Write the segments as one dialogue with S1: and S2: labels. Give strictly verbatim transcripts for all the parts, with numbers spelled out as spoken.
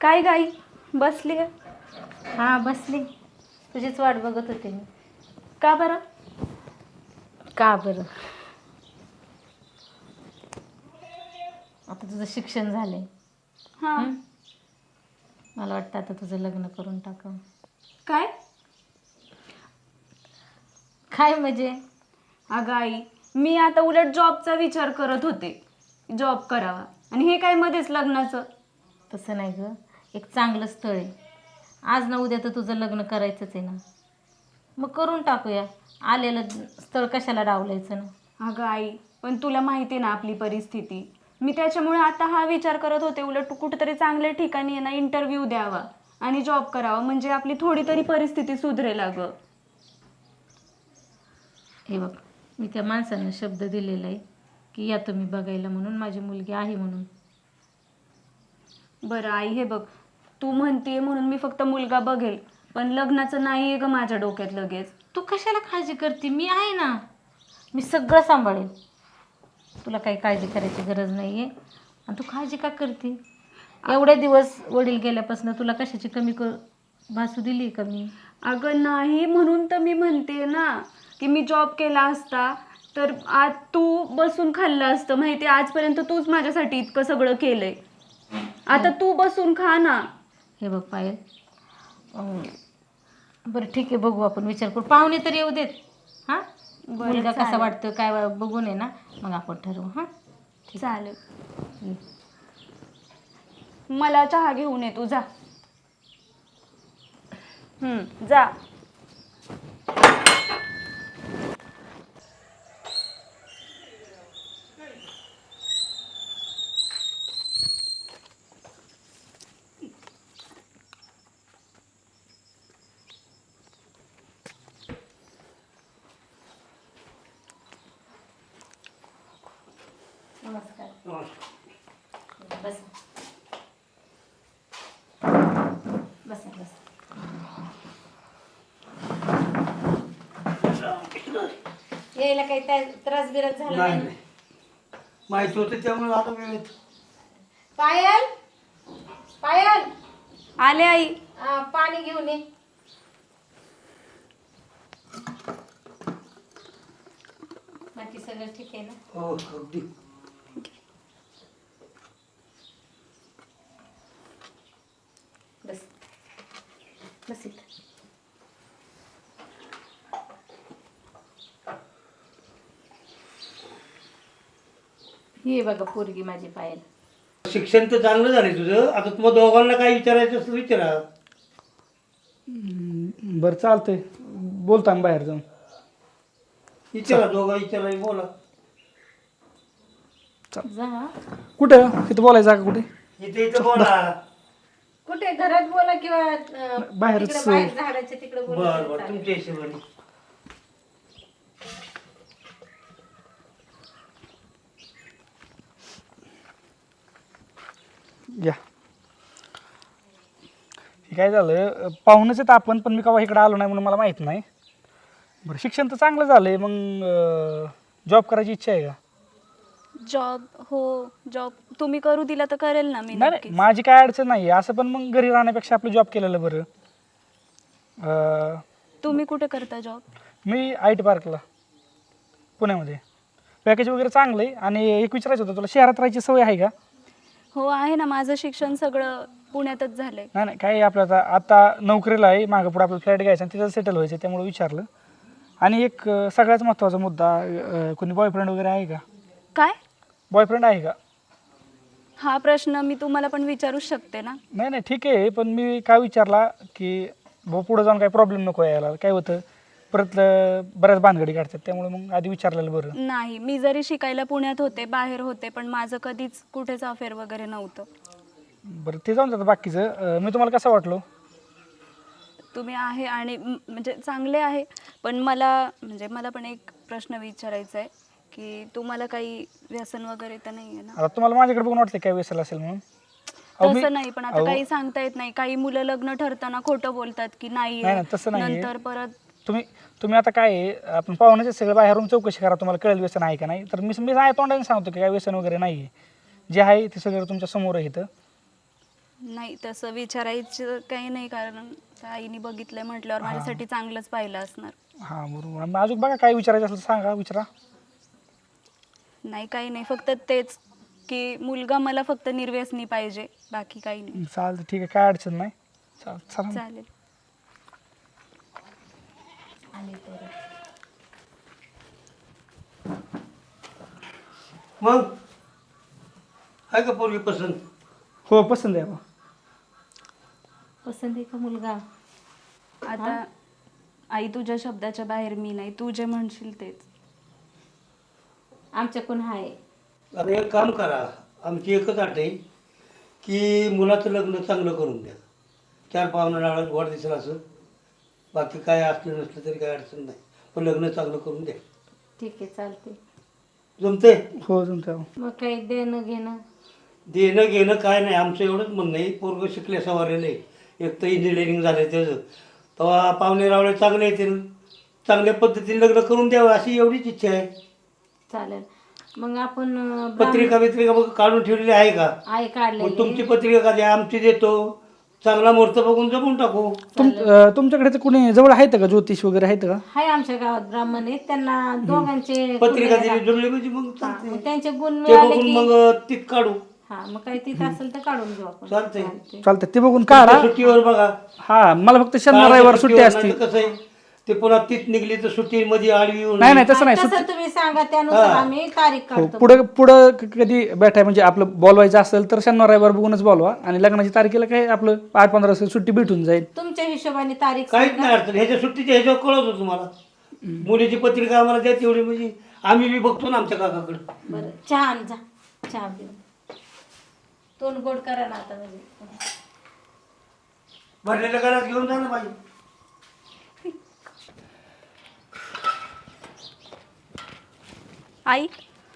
S1: काय गाई बसली आहे?
S2: हां बसली, तुझीच वाट बघत होते मी.
S1: का बरं?
S2: का बरं? आता तुझं शिक्षण झालंय.
S1: हां.
S2: हं? मला वाटतं आता तुझं लग्न करून टाकावं.
S1: काय?
S2: काय म्हणजे?
S1: अगं आई, मी आता उलट जॉबचा विचार करत होते, जॉब करावा, आणि हे काय मध्येच लग्नाचं?
S2: तसं नाही गं, एक चांगलं स्थळ आहे. आज ना उद्या तर तुझं लग्न करायचंच आहे ना, मग करून टाकूया. आलेलं स्थळ कशाला डावलायचं ना.
S1: अगं आई, पण तुला माहिती आहे ना आपली परिस्थिती. मी त्याच्यामुळे आता हा विचार करत होते, उलट कुठेतरी चांगल्या ठिकाणी आहे ना इंटरव्ह्यू द्यावा आणि जॉब करावा, म्हणजे आपली थोडी तरी परिस्थिती सुधरेल. अगं
S2: हे बघ, मी त्या माणसांना शब्द दिलेला आहे की या तुम्ही बघायला म्हणून, माझी मुलगी आहे म्हणून.
S1: बरं आई, हे बघ, तू म्हणतेय म्हणून मी फक्त मुलगा बघेल, पण लग्नाचं नाही आहे ग माझ्या डोक्यात लगेच.
S2: तू कशाला काळजी करते? मी आहे ना, मी सगळं सांभाळेल. तुला काही काळजी करायची गरज नाही आहे. आणि तू काळजी का करते? एवढे दिवस वडील गेल्यापासून तुला कशाची कमी क भासू दिली का मी?
S1: अगं नाही, म्हणून तर मी म्हणते ना की मी जॉब केला असता तर आज तू बसून खाल्लं असतं. माहिती आहे, आजपर्यंत तूच माझ्यासाठी इतकं सगळं केलंय, आता तू बसून खा ना.
S2: हे बघ पायल, अं, बरं ठीक आहे, बघू आपण, विचार करू. पाहुणे तर येऊ देत. हां, मुलगा कसा वाटतो काय बघून आहे ना, मग आपण ठरवू. हां
S1: चालेल.
S2: ये.
S1: मला चहा घेऊन ये तू, जा. हम्म, जा.
S2: नमस्कार. बस बस बस. यायला काही त्या- त्रास बिरास झाला
S3: नाही
S2: नाही?
S3: नाही. माहिती होतं त्यामुळे आता वेळेत.
S2: पायल, पायल,
S1: आले आई.
S2: आ, पाणी घेऊन ये. बाकी सगळं ठीक आहे ना?
S3: हो अगदी.
S2: बस बस इथं. ये बघा पोरगी माझी पायल.
S3: शिक्षण तर चांगलं झालं तुझं. आता तुम्हाला दोघांना काय विचारायचं असं विचारा.
S4: बरं चालतंय, बोलता आम्ही बाहेर जाऊन.
S3: विचारा, दोघा विचारा, बोला.
S2: जा.
S4: कुठं तिथं बोलायचं जागा कुठे?
S3: इथे इथं बोला.
S2: कुठे घरात बोला किंवा अं,
S4: बाहेरच.
S2: तिकडं बाहेर झाडाच्या तिकडे
S3: बर
S2: बोला.
S3: बर, तुमच्या हिशोबाने.
S4: या. हे काय झालं, पाहुणच आहेत आपण, पण मी केव्हा इकडे आलो नाही म्हणून मला माहीत नाही. बरं, शिक्षण तर चांगलं झालं आहे, मग जॉब करायची इच्छा आहे का?
S1: जॉब? हो, जॉब तुम्ही करू दिला तर करेल ना मी.
S4: नाही नाही, माझी काय अडचण नाही आहे असं, पण मग घरी राहण्यापेक्षा आपलं जॉब केलेलं बरं. अं,
S1: तुम्ही कुठे करता जॉब?
S4: मी आय टी पार्कला पुण्यामध्ये. पॅकेज वगैरे चांगलं आहे. आणि एक विचारायचं होतं तुला, शहरात राहायची सवय आहे का?
S1: हो आहे ना, माझं शिक्षण सगळं पुण्यातच झालंय.
S4: नाही नाही, काय आपलं आता आता नोकरीला आहे, मागं पुढे आपलं फ्लॅट घ्यायचा आणि तिथं सेटल व्हायचं, त्यामुळे विचारलं. आणि एक अं, सगळ्यात महत्त्वाचा मुद्दा, अं, कोणी बॉयफ्रेंड वगैरे आहे का?
S1: काय?
S4: बॉयफ्रेंड आहे का?
S1: हा प्रश्न मी तुम्हाला पण विचारूच शकते ना.
S4: नाही नाही ठीक आहे, पण मी काय विचारला की भाऊ पुढं जाऊन काही प्रॉब्लेम नको यायला. काय होतं परत अं, बऱ्याच भानगडी काढतात, त्यामुळे मग आधी विचारलेलं बरं.
S1: नाही, मी जरी शिकायला पुण्यात होते, बाहेर होते, पण माझं कधीच कुठेच अफेअर वगैरे नव्हतं.
S4: बरं, ते जाऊन जातं. बाकीचं अं, मी तुम्हाला कसं वाटलो?
S1: तुम्ही आहे आणि म- म्हणजे चांगले आहे, पण मला म्हणजे मला पण एक प्रश्न विचारायचा आहे की तुम्हाला काही व्यसन वगैरे तर नाही आहे ना?
S4: आता तुम्हाला माझ्याकडे बघून वाटलं काय वेसेल असेल म्हणून? अहो, मी-
S1: तसं नाही, पण आता
S4: अहो,
S1: काही सांगता येत नाही. काही मुलं लग्न ठरताना खोटं बोलतात की
S4: नाही,
S1: नाहीये,
S4: नाही, तसं नाहीये.
S1: नंतर परत.
S4: तुम्ही तुम्ही आता काय आहे, आपण पाहुण्याचे सगळं बाहेरून चौकशी करा, तुम्हाला कळेल व्यसन आहे का नाही. तर मी मी आहे तोंडाने सांगतो की काय व्यसन वगैरे नाही आहे. जे आहे ते सगळं तुमच्या समोर आहे इथं.
S1: नाही तसं विचारायचं काही नाही, कारण आईने बघितलंय म्हटल्यावर माझ्यासाठी चांगलंच पाहिलं असणार.
S4: हां बरोबर. मग अजून बघा काय विचारायचं असेल तर सांगा, विचारा.
S1: नाही काही नाही, फक्त तेच की मुलगा मला फक्त निर्व्यसनी पाहिजे, बाकी काही नाही.
S4: चालतं ठीक आहे, काय अडचण नाही. चाल चला मग.
S1: चालेल.
S3: मग आहे का पोरगी पसंत?
S4: हो पसंत आहे बा.
S2: पसंत आहे का मुलगा?
S1: आता आई तुझ्या शब्दाच्या बाहेर मी नाही, तू जे म्हणशील तेच.
S2: आमच्याकडून आहे.
S3: आता एक काम करा, आमची एकच अट आहे की मुलाचं लग्न चांगलं करून द्या. चार पाहुणा डाळात गोड दिसेल असं, बाकी काय असलं नसलं तरी काय अडचण नाही, पण लग्न चांगलं करून द्या.
S2: ठीक आहे चालते.
S3: जमते?
S4: हो जमतं.
S2: मग काही देणं घेणं?
S3: देणं घेणं काय नाही, आमचं एवढंच म्हणणं आहे, पोरगं शिकल्या सवारेलं आहे, एक तर इंजिनिअरिंग झालं त्याचं, तेव्हा पाहुणे रावळे चांगले येतील, चांगल्या पद्धतीने लग्न करून द्यावं अशी एवढीच इच्छा आहे.
S2: चालेल. मग आपण अं, ब्राह्मण-
S3: पत्रिका बित्रिका बघ काढून ठेवलेली आहे का?
S2: आहे काढलेली.
S3: मग तुमची पत्रिका का द्या, आमची देतो, चांगला मुहूर्त बघून जमून टाकू.
S4: तुम अं, तुमच्याकडे तर कुणी जवळ आहेत का, ज्योतिष वगैरे आहेत का?
S2: आहे आमच्या गावात ब्राह्मण आहेत, त्यांना दोघांचे
S3: पत्रिका
S2: गुण
S3: दिली जुळली म्हणजे मग
S2: हा,
S3: चालते.
S2: मग त्यांचे गुण
S3: ते
S2: मिळाले
S3: बघून
S2: की
S3: मग तीत काढू.
S2: हा मग काही तिथं असेल तर काढून घेऊ आपण.
S3: चालतंय.
S2: चालतंय.
S4: चालतं ते बघून काढा.
S3: सुट्टीवर बघा.
S4: हा मला फक्त शनिवार रविवार सुट्टी
S3: सुट्टीवर
S4: असते.
S3: नाही तर कसं आहे, ते पुन्हा तीत निघली तर सुट्टीमध्ये आडवी येऊन
S4: नाही नाही तसं नाही.
S2: तसं तुम्ही सांगा, त्यानुसार आम्ही तारीख
S4: हो
S2: काढतो.
S4: पुढं पुढं क- कधी भेटाय म्हणजे आपलं बोलवायचं असेल तर शनिवार रविवार बघूनच बोलवा, आणि लग्नाची तारखेला काय आपलं आठ पंधरा दिवस सुट्टी भेटून जाईल.
S2: तुमच्या हिशोबाने तारीख
S3: काहीच
S2: सांगा.
S3: नाही अडचण. ह्याच्या सुट्टीच्या ह्याच्यावर कळवतो तुम्हाला. मुलीची पत्रिका आम्हाला द्या तेवढी, म्हणजे आम्ही बी बघतो ना आमच्या काकाकडे.
S2: बरं चहा आण जा, चहा घेऊन तोंड गोड करा ना आता. म्हणजे
S3: भरलेल्या घरात घेऊन जा ना बाई.
S1: आई,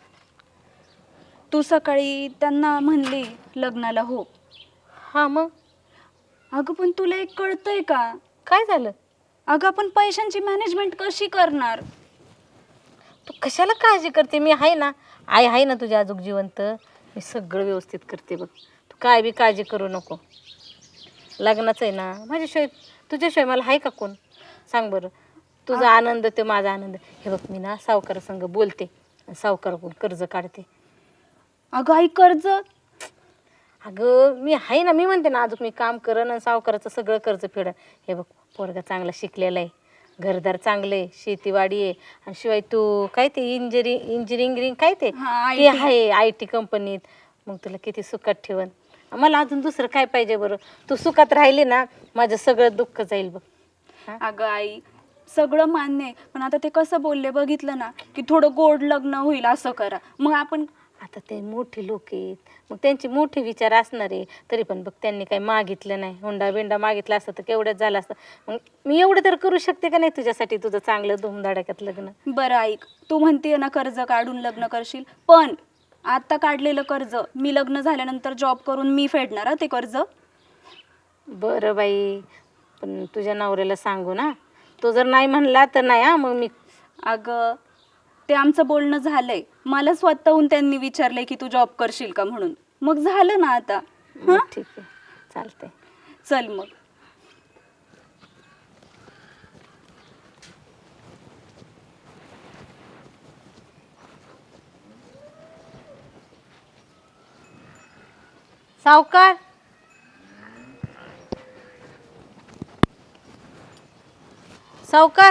S1: तू सकाळी त्यांना म्हणली लग्नाला हो.
S2: हा मग
S1: अगं पण तुला एक कळतंय का?
S2: काय झालं?
S1: अगं आपण पैशांची मॅनेजमेंट कशी करणार?
S2: तू कशाला काळजी करते? मी आहे ना, आई आहे ना तुझ्या आजूक जिवंत. मी सगळं व्यवस्थित करते बघ, तू काय बी काळजी करू नको. लग्नाचं आहे ना, माझ्याशिवाय तुझ्याशिवाय मला आहे का कोण? सांग बरं. तुझा आनंद ते माझा आनंद. हे बघ मी ना सावकारासंग बोलते, सावकाराकडून कर्ज काढते.
S1: अगं आई कर्ज?
S2: अगं मी आहे ना, मी म्हणते ना अजून मी काम करन आणि सावकाराचं सगळं कर्ज फेडन. हे बघ पोरगा चांगला शिकलेला आहे, घरदार चांगलं आहे, शेतीवाडी आहे, आणि शिवाय तू काय ते इंजिनी इंजिनिअरिंग काय ते
S1: हा,
S2: ते
S1: I T.
S2: आहे आय टी कंपनीत. मग तुला किती सुखात ठेवन. मला अजून दुसरं काय पाहिजे बरं? तू सुखात राहिली ना, माझं सगळं दुःख जाईल बघ.
S1: अगं आई, सगळं मान्य आहे, पण आता ते कसं बोलले बघितलं ना, की थोडं गोड लग्न होईल असं करा. मग आपण
S2: आता ते मोठे लोक आहेत, मग त्यांचे मोठे विचार असणार आहे. तरी पण बघ त्यांनी काही मागितलं नाही, हुंडा बिंडा मागितला असतं तर केवढ्याच झालं असतं. मग मी एवढं तर करू शकते का नाही तुझ्यासाठी, तुझं चांगलं धुमधडाक्यात लग्न.
S1: बरं ऐक, तू म्हणतीये ना कर्ज काढून लग्न करशील, पण आता काढलेलं कर्ज मी लग्न झाल्यानंतर जॉब करून मी फेडणार हं ते कर्ज.
S2: बरं बाई, पण तुझ्या नवऱ्याला सांगू ना, तो जर नाही म्हणला तर नाही. हा मग मी
S1: अगं ते आमचं बोलणं झालंय, मला स्वतःहून त्यांनी विचारलंय की तू जॉब करशील का म्हणून, मग झालं ना आता.
S2: मग ठीक आहे, चालतंय.
S1: चल मग.
S2: सावकार, सावकार,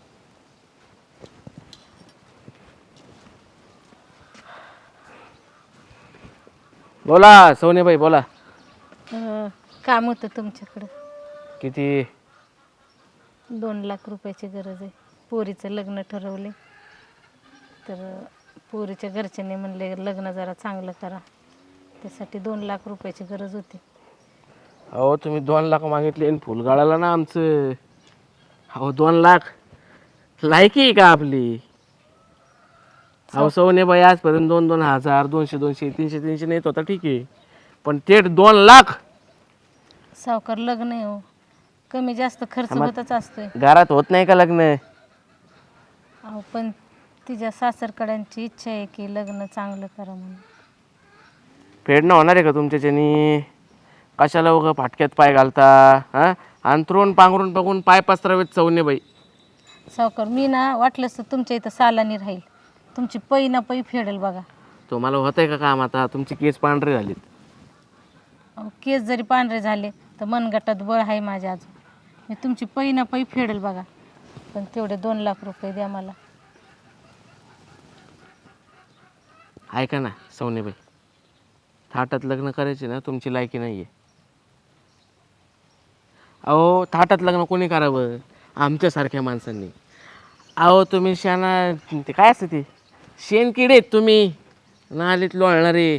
S5: बोला सोनेबाई बोला.
S2: अं, काम होतं तुमच्याकडं.
S5: किती?
S2: दोन लाख रुपयाची गरज आहे. पोरीचं लग्न ठरवले, तर पोरीच्या घरच्यांनी म्हणले लग्न जरा चांगलं करा, त्यासाठी दोन लाख रुपयाची गरज होती.
S5: अहो तुम्ही दोन लाख मागितले आणि फुल गाळाला ना आमचं. अहो दोन लाख लायकी आहे का आपली? अहो सोनेबाई आजपर्यंत दोन दोन हजार दोनशे दोनशे तीनशे तीनशे नेत होता, ठीक आहे, पण थेट दोन लाख?
S2: सावकार लग्न आहे हो, कमी जास्त खर्च
S5: आम्हा-
S2: होतच असतोय.
S5: घरात होत नाही का लग्न?
S2: अहो पण तिच्या सासरकड्यांची इच्छा आहे की लग्न चांगलं करा म्हणून.
S5: फेडणं होणार आहे का तुमच्याच्यानी? कशाला उगं फाटक्यात पाय घालता हां अंतरून पांघरून बघून पाय पसरावेत सवने बाई.
S2: सावकार मी ना वाटलंच तर तुमच्या इथं सालानी राहील, तुमची पै ना पै फेडेल बघा.
S5: तुम्हाला होतंय का काम आता? तुमची केस पांढरे झालीत.
S2: अहो, केस जरी पांढरे झाले तर मनगटात बळ आहे माझ्या अजून. मी तुमची पै ना पै फेडेल बघा, पण तेवढे दोन लाख रुपये द्या मला.
S5: ऐका ना सवनेबाई, थाटात लग्न करायचे ना तुमची लायकी नाही आहे. अहो थाटात लग्न कोणी करावं? आमच्यासारख्या माणसांनी. अहो तुम्ही शाना ते काय असतं ते शेणकिडे आहेत तुम्ही, नालीत लोळणारे.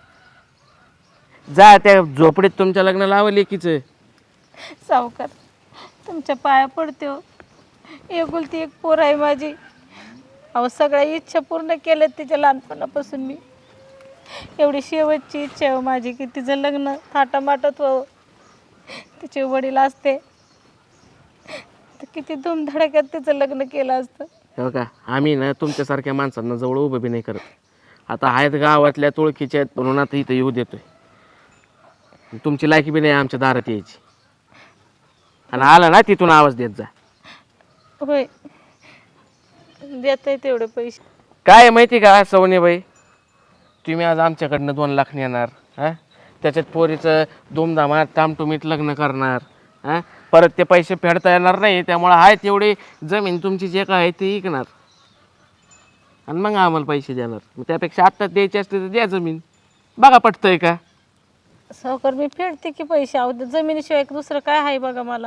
S5: जा त्या झोपडीत तुमच्या लग्न लावा लेकीचं.
S2: सावकार तुमच्या पाया पडते हो, एकुलती एक पोर आहे माझी. अहो सगळ्या इच्छा पूर्ण केल्यात तिच्या लहानपणापासून मी. एवढी शेवटची इच्छा आहे हो माझी की तिचं लग्न थाटामाटात व्हावं. तिचे वडील असते तर किती धूमधडाक्यात तिचं लग्न केलं असतं.
S5: हो का, आम्ही ना तुमच्यासारख्या माणसांना जवळ उभं बी नाही करत. आता आहेत गावातल्या तुळकीच्या आहेत म्हणून आता इथं येऊ देतोय. तुमची लायकी बी नाही आमच्या दारात यायची. आणि आला ना तिथून आवाज देत जा.
S2: होय देत आहे तेवढे पैसे.
S5: काय आहे माहिती का सवनेबाई, तुम्ही आज आमच्याकडनं दोन लाख नेणार हां, त्याच्यात पोरीचं धूमधामात टामटुमीत लग्न करणार हां, परत ते पैसे फेडता येणार नाही. त्यामुळं आहे तेवढी जमीन तुमची जे काय आहे ते विकणार आणि मग आम्हाला पैसे देणार. मग त्यापेक्षा आत्ताच द्यायची असते तर द्या जमीन. बघा पटतंय का?
S2: सावकार मी फेडते की पैसे. अहो जमिनीशिवाय दुसरं काय आहे बघा मला.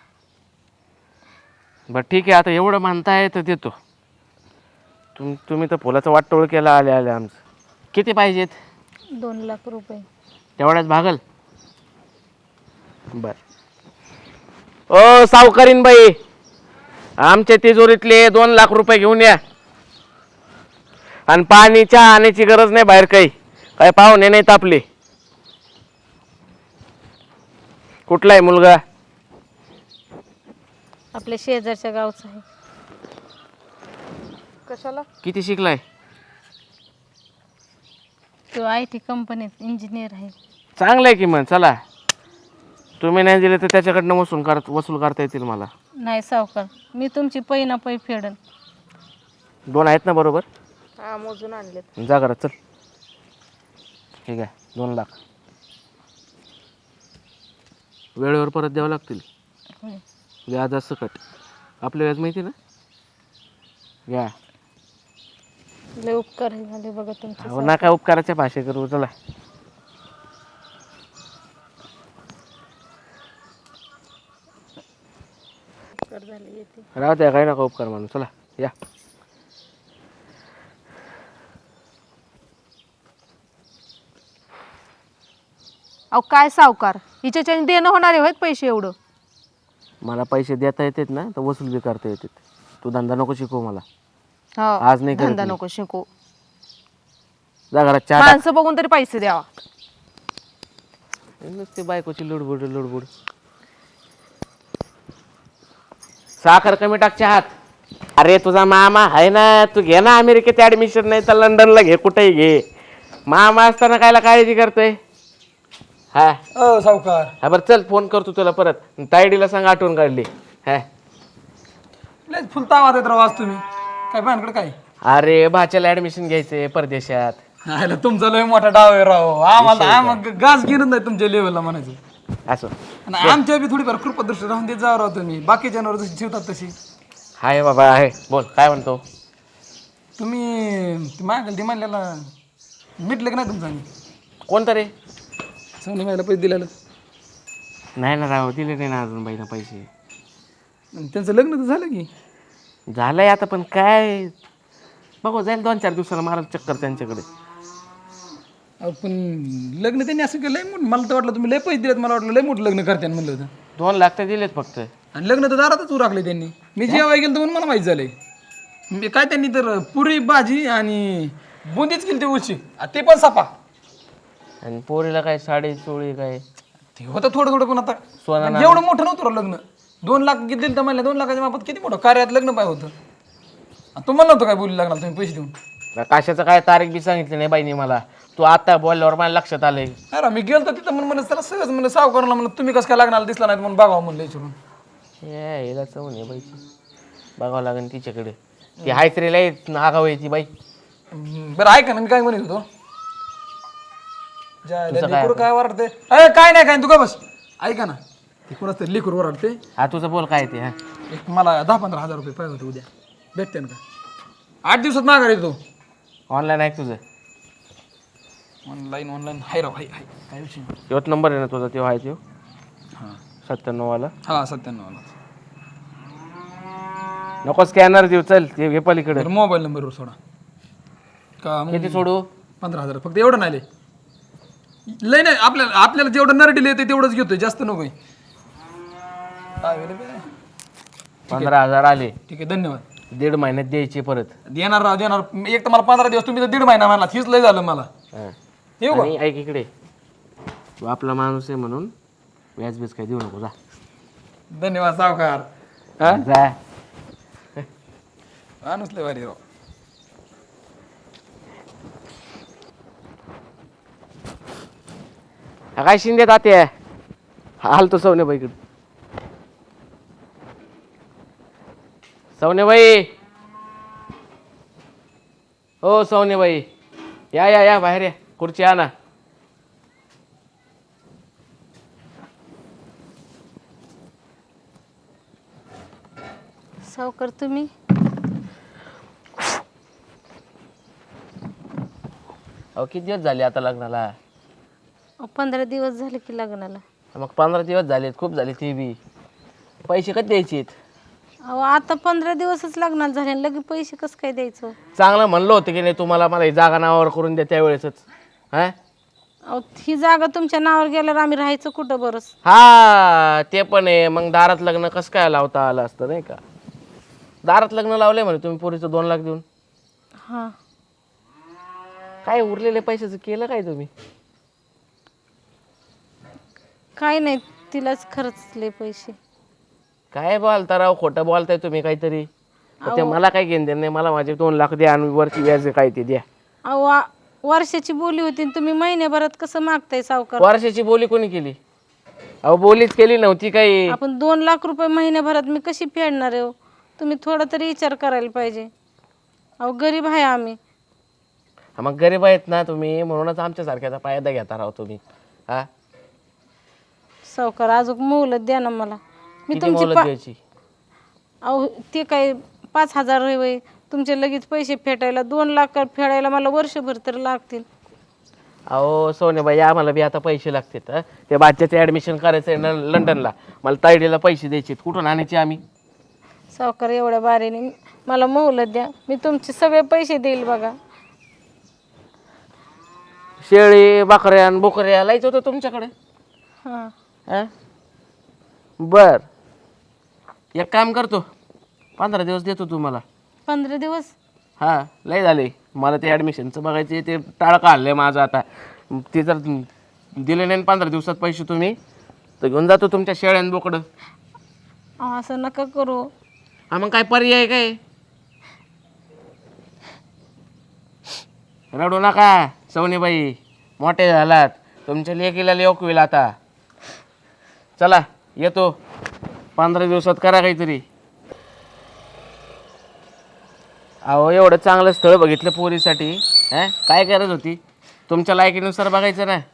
S5: बरं ठीक आहे, आता एवढं म्हणताय तर देतो. तुम तुम्ही तर फुलाचा वाटोळ केला आले आले आमचं. किती पाहिजेत?
S2: दोन लाख रुपये.
S5: तेवढ्याच भागल? बर. ओ सावकारीन बाई, आमच्या तिजोरीतले दोन लाख रुपये घेऊन या. आणि पाणी चहा आणायची गरज नाही बाहेर, काही काय पाहुणे नाहीत आपले. कुठला आहे मुलगा?
S2: आपल्या शेजारच्या गावचं आहे. कशाला?
S5: किती शिकलाय?
S2: तो आय टी कंपनीत इंजिनियर आहे.
S5: चांगलं आहे की मग. चला, तुम्ही नाही दिले तर त्याच्याकडनं वसूल कर वसूल करता येतील मला.
S2: नाही सावकार, मी तुमची पै ना पै फेडन.
S5: दोन आहेत ना बरोबर?
S2: हा मोजून आणलेत.
S5: जा घरात चल. ठीक आहे, दोन लाख वेळेवर परत द्यावं लागतील.
S2: होय.
S5: व्याज सकट. आपलं व्याज माहिती ना? घ्या.
S2: लय उपकार झाले बघा तुमचे.
S5: हो ना, काय उपकाराच्या भाषे करू. चला.
S2: उपकार झाले येते.
S5: राहू द्या, काही नका उपकार म्हणून. चला या.
S6: अहो काय सावकार, हिच्याच्याने देणं होणारे आहेत पैसे एवढं.
S5: मला पैसे देता येतात ना तर वसूल बी करता येतात. तू धंदा नको शिकवू मला.
S6: हो,
S5: आज नाही करत
S6: धंदा
S5: मी.
S6: नको शिकू.
S5: जा घरात चहा टाक.
S6: माणसं बघून तरी पैसे द्यावा.
S5: नुसती बायकोची लुडबुड लुडबुड. साखर कमी टाक चहात. अरे तुझा मामा आहे ना, तू घे ना अमेरिकेत ऍडमिशन, नाही तर लंडनला घे, कुठेही घे. मामा असताना कायला काळजी करतोय? हा
S4: अ सावकार,
S5: हा बरं चल, फोन करतो तुला परत. तायडीला सांग आठवण काढली. हा
S4: लयच फुलता आवाज येत राव आज तुम्ही. काय भानकडे काय?
S5: अरे भाच्याला ऍडमिशन घ्यायचंय परदेशात.
S4: नाही तुमचा लय मोठा डाव आहे राव. आम्हाला आम्हाला गाज घेणं नाही तुमच्या लेवलला म्हणायचं.
S5: असं
S4: आणि आमच्या बी थोडीफार कृपदृष्टी राहून देत जावं राव तुम्ही. बाकीच्यांवर जशी ठेवतात तशी.
S5: हाय बाबा आहे. बोल काय म्हणतो?
S4: तुम्ही मागेल ती म्हणलेला मिटलं की नाही तुमचं? आम्ही
S5: कोणतं रे?
S4: सोनी मायला पैसे दिलेलं.
S5: नाही ना राव, दिले नाही ना अजून बाईना पैसे.
S4: आणि त्यांचं लग्न तर झालं की.
S5: झालंय आता, पण काय बघू, जाईल दोन चार दिवसाला मारा चक्कर त्यांच्याकडे.
S4: अहो, पण लग्न त्यांनी असं केलं लय मोठं. मला तर वाटलं तुम्ही लय पैसे दिलेत. मला वाटलं लय मोठं लग्न करते म्हणलं होतं.
S5: दोन लाख तर दिलेत फक्त.
S4: आणि लग्न तर दारातच उराकले त्यांनी. मी जेव्हा गेलो तर म्हणून मला माहीत झालंय. मी काय त्यांनी तर पुरी भाजी आणि बुंदीच केली ती उशी, ते पण सापा.
S5: आणि पोरीला काय साडी चोळी काय
S4: ते होतं थोडं थोडं, पण आता
S5: सोनं
S4: आणि एवढं मोठं नव्हतं राव लग्न. दोन लाख किती दिलं तर म्हणलं, दोन लाखाच्या मापात किती मोठं कार्यात लग्न पाय होतं. आणि तुम्हाला नव्हतं काय बोलू लागणार तुम्ही पैसे देऊन?
S5: काशाचं काय तारीख बी सांगितली नाही बाईने मला. तू आता बोलल्यावर मला लक्षात आलंय.
S7: अरे मी गेलो तिथं म्हणून म्हणलं चला सहज म्हणलं सावकाराला म्हणलं तुम्ही कसं काय लागणार दिसला नाही म्हणून बघावं म्हणलं विचारून.
S5: हे हिला चवून आहे बाईची, बघावं लागेल तिच्याकडे. ती हायच रे लय आगाव आहे ती बाई.
S7: हम्म, बरं ऐका ना मी काय म्हणत होतो. ज्या
S5: तुझं काय
S7: लेकरू काय वरडते अरे काय नाही काय तू का बस ऐका ना ती कोणाच तरी लेकरू वरडते.
S5: हा तुझं बोल काय ते. हा
S7: एक मला दहा पंधरा हजार रुपये पाहिजे होते उद्या भेटते ना का आठ दिवसात माघार येतो.
S5: ऑनलाईन आहे तुझं?
S7: ऑनलाईन ऑनलाईन हाय राव हाय हाय काय विषय नाही.
S5: तोच नंबर आहे ना तुझा? तो आहे तो
S7: हां
S5: सत्त्याण्णव वाला.
S7: हां सत्त्याण्णव
S5: नको स्कॅनर देऊ, चल ते घे पलीकडे.
S7: बरं मोबाईल नंबरवर सोडा का मग
S5: किती सोडू?
S7: पंधरा हजार फक्त एवढं नाही लय लय नाही आपल्याला आपल्याला जेवढं नरडील येते तेवढंच घेतोय जास्त नकोय. अवेलेबल आहे
S5: पंधरा हजार आले,
S7: ठीक आहे धन्यवाद.
S5: दीड महिन्यात द्यायचे परत.
S7: देणार राव देणार एक तर मला पंधरा दिवस तुम्ही तर दीड महिना म्हणला हीच लय झालं मला.
S5: हा.
S7: येऊ का
S5: आणि ऐक इकडे, तू आपला माणूस आहे म्हणून व्याज बीज काय देऊ नको, जा.
S7: धन्यवाद सावकार.
S5: जा.
S7: माणूस लय भारी राव.
S5: हा काय शिंदे तात्या हालतो सवनेबाईकडे. सवनेबाई, हो सवनेबाई, या या या बाहेर या, खुर्ची आणा.
S2: सावकार तुम्ही
S5: अहो किती दिवस झाले आता लग्नाला?
S2: अहो, पंधरा दिवस झाले की लग्नाला.
S5: मग पंधरा दिवस झालेत, खूप झाले. ते बी पैसे कधी द्यायचे?
S2: अहो आता पंधरा दिवसच लग्नाला झाले लगे पैसे कसं काय द्यायचं?
S5: चांगलं म्हणलं होतं की नाही तुम्हाला, मला ही जागा नावावर करून द्या त्यावेळेसच. हा
S2: अहो ही जागा तुमच्या नावावर गेल्यावर आम्ही राहायचं कुठं बरंच?
S5: हा ते पण आहे. मग दारात लग्न कसं काय लावता आलं असतं नाही का? दारात लग्न लावलंय म्हणे तुम्ही पोरीचं दोन लाख देऊन.
S2: हां
S5: काय उरलेल्या पैशाचं केलं काय तुम्ही?
S2: काय नाही तिलाच खर्चले पैसे.
S5: काय बोलता राव, खोटं बोलताय तुम्ही काहीतरी. तर ते मला काय घेणं देणं नाही, मला माझे दोन लाख द्या आणि वरची व्याज काय ते द्या.
S2: अहो आ- वर्षाची बोली होती आणि तुम्ही महिन्याभरात कसं मागताय सावकार?
S5: वर्षाची बोली कोणी केली? अहो बोलीच केली नव्हती काही.
S2: आपण दोन लाख रुपये महिन्याभरात मी कशी फेडणार आहे हो? तुम्ही थोडा तरी विचार करायला पाहिजे. अहो गरीब आहे आम्ही.
S5: हा, मग गरीब आहेत ना तुम्ही, म्हणूनच आमच्या सारख्याचा फायदा घेता राव तुम्ही. हा
S2: सावकार अजून मोलत द्या ना मला. मी
S5: किती
S2: तुमची
S5: मोलत
S2: पा-
S5: द्यायची?
S2: अहो ते काय पाच हजार होय तुमचे लगेच पैसे फेटायला, दोन लाख फेडायला मला वर्षभर तर लागतील.
S5: अहो सोनेबाई, आम्हाला बी आता पैसे लागतात. हं? त्या बाच्याचं ॲडमिशन करायचं आहे न लंडनला, मला तायडीला पैसे द्यायचे, कुठून आणायचे आम्ही?
S2: सावकार एवढ्या बारीने मला मोहलत द्या, मी तुमचे सगळे पैसे देईल बघा.
S5: शेळी बकऱ्या आणि बोकऱ्या लायचं होतं तुमच्याकडे.
S2: हां
S5: हां बर, एक काम करतो, पंधरा दिवस देतो तुम्हाला.
S2: पंधरा दिवस?
S5: हां लय झाले मला ते ॲडमिशनचं बघायचे, ते टाळका हल्लं माझं आता. ते जर दिले नाही पंधरा दिवसात पैसे तुम्ही, तर घेऊन जातो तुमच्या शेळ्यान बोकडं.
S2: अहो, असं नका करू.
S5: हा मग काय पर्याय काय? रडू नका सवनीबाई, मोठे झालात, तुमच्या लेकीला लेक होईल आता. चला येतो, पंधरा दिवसात करा काहीतरी. अहो एवढं चांगलं स्थळ बघितलं पोरीसाठी, हां काय गरज होती? तुमच्या लायकीनुसार बघायचं ना.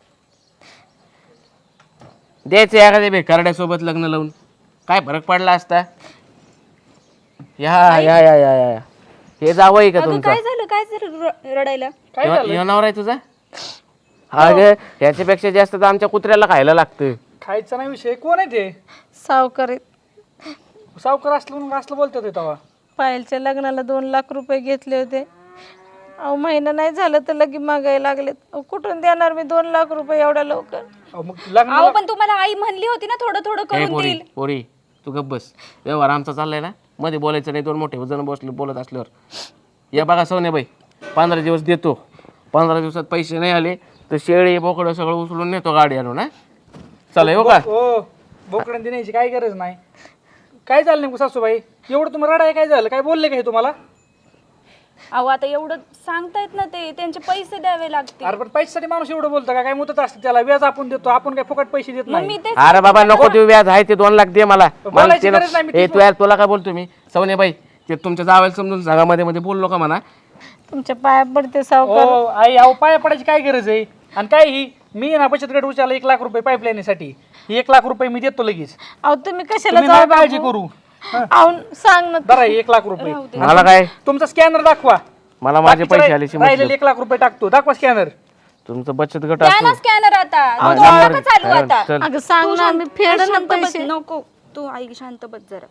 S5: द्यायचं एखाद्या बेकारड्यासोबत लग्न लावून, काय फरक पडला असता? या या या या या हे जावं आहे का
S1: अगं
S5: तुमचं?
S1: काय झालं, काय झालं र- रडायला?
S5: येणार आहे तुझा? हा ग, ह्याच्यापेक्षा जास्त तर आमच्या कुत्र्याला खायला लागतं.
S4: खायचा नाही विषय. कोण आहे ते?
S2: सावकार आहेत.
S4: सावकार असलं म्हणून असलं बोलतात ते तेव्हा.
S2: पायलच्या लग्नाला दोन लाख रुपये घेतले होते. अहो महिना नाही झालं तर लगे मागायला लागलेत. अहो कुठून देणार मी दोन लाख रुपये एवढ्या लवकर?
S4: अहो, मग लग्न
S1: अहो पण तुम्हाला आई म्हणली होती ना थोडं थोडं
S5: ए
S1: करून
S5: पोरी
S1: देईल.
S5: पोरी तू गप्प बस. व्यवहार आमचा चाललाय ना, मध्ये बोलायचं नाही. दोन मोठे जण बसले बोलत असल्यावर. या बघा सोनेबाई, पंधरा दिवस देतो. पंधरा दिवसात पैसे नाही आले तर शेळी बोकडं सगळं उचलून नेतो गाडी आणून. हा चला येऊ का?
S4: हो, बोकड्यान देण्याची काही गरज नाही. काय झालं नेमकं सासूबाई? एवढं तुम्हाला रडाय काय झालं? काय बोलले का हे तुम्हाला?
S1: अहो आता एवढं सांगतायत ना ते, त्यांचे पैसे द्यावे लागतील.
S4: अरे पण पैशासाठी माणूस एवढं बोलतो का? काय मुदत असते त्याला, व्याज आपण देतो, आपण काय फुकट पैसे देत
S1: मग
S4: नाही.
S1: मी ते
S5: अरे बाबा नको देऊ व्याज आहे ते दोन लाख दे मला. मला
S4: बोलायची
S5: ते
S4: गरज नाही, मी
S5: नको- ए, तू यार तुला काय बोलतो मी सवनेबाई ते तुमच्या जावेला समजून सांगा, मध्ये मध्ये बोललो का म्हणा.
S2: तुमच्या पाया पडते सावकार.
S4: हो आई, अहो पाया पडायची काय गरज आहे? आणि काय ही मी ना बचत गट उचलला एक लाख रुपये पाईपलाईनसाठी, एक लाख रुपये मी देतो लगेच.
S2: अहो तुम्ही कशाला
S4: तुम्ही
S2: जाऊ
S4: नका काळजी
S2: बापू?
S4: करू.
S2: अहो सांग ना.
S4: बरं आहे, एक लाख रुपये.
S5: मला काय
S4: तुमचा स्कॅनर दाखवा.
S5: मला माझे
S4: बाकीचे
S5: पैसे
S4: राहि-
S5: आले
S4: राहिलेले एक लाख रुपये टाकतो, दाखवा स्कॅनर.
S5: तुमचं बचत गट
S1: द्या ना
S5: असतो
S1: स्कॅनर आता.
S5: हा,
S1: तू
S5: नंबर-
S1: नका चालू
S5: हा,
S1: आता.
S5: चल.
S2: अगं सांग
S1: तू
S2: ना,
S1: शांत-
S2: मी फेड
S1: तू
S2: ना
S1: शांत बस.
S2: पैसे.
S1: नको तू आई शांत बस जरा.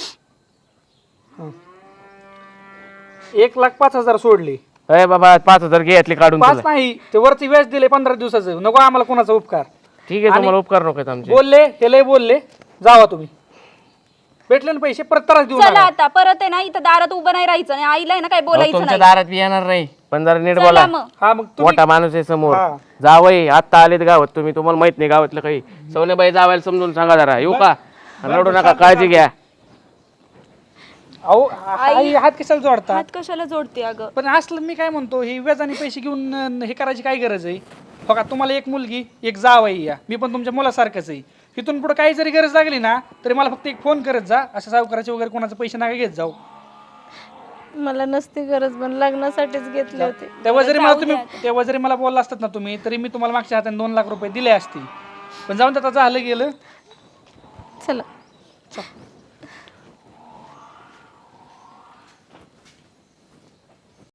S4: एक लाख पाच हजार सोडले.
S5: अरे बाबा पाच हजार घे यातले काढून
S4: पाच
S5: तुला.
S4: नाही, ते वरती व्याज दिले पंधरा दिवसाचं. नको आम्हाला कोणाचा उपकार.
S5: ठीक आहे तुम्हाला उपकार नको आहेत आमचे.
S4: बोलले हे लय बोलले, जावा तुम्ही. भेटले ना पैसे, परत त्रास देऊ
S1: चला
S4: नका.
S1: आता परत आहे ना इथं दारात उभं नाही राहायचं आणि आईला आहे ना काय
S5: अहो,
S1: बोलायचं
S5: तुमच्या
S1: नाही.
S5: दारात बी येणार नाही पण जरा नीट
S1: चला
S5: बोला.
S1: मग.
S4: हा मग तुम्ही
S5: मोठा माणूस आहे समोर.
S4: हा.
S5: जावई आत्ता आलेत गावात, तुम्ही तुम्हाला माहित नाही गावातलं काही. सवनेबाई जावायला समजून सांगा जरा. येऊ का? रडू नका, काळजी घ्या.
S4: अहो आई हात कशाला जोडतात?
S1: हात कशाला जोडते अगं?
S4: पण असलं मी काय म्हणतो, हे व्याजाने पैसे घेऊन अं, हे करायची काय गरज आहे? हो का, तुम्हाला एक मुलगी एक जाव आहे, या मी पण तुमच्या मुलासारखंच आहे. इथून पुढे काही जरी गरज लागली ना तरी मला फक्त एक फोन करत जा. असं सावकाराचे वगैरे कोणाचे पैसे नका घेत जाऊ.
S2: मला नसती गरज, पण लग्नासाठीच घेतले होते.
S4: तेव्हा जरी मला तुम्ही तेव्हा जरी मला बोलला असतात ना तुम्ही, तरी मी तुम्हाला मागच्या हाताने दोन लाख रुपये दिले असते. पण जाऊन आता झालं गेलं.
S2: चला.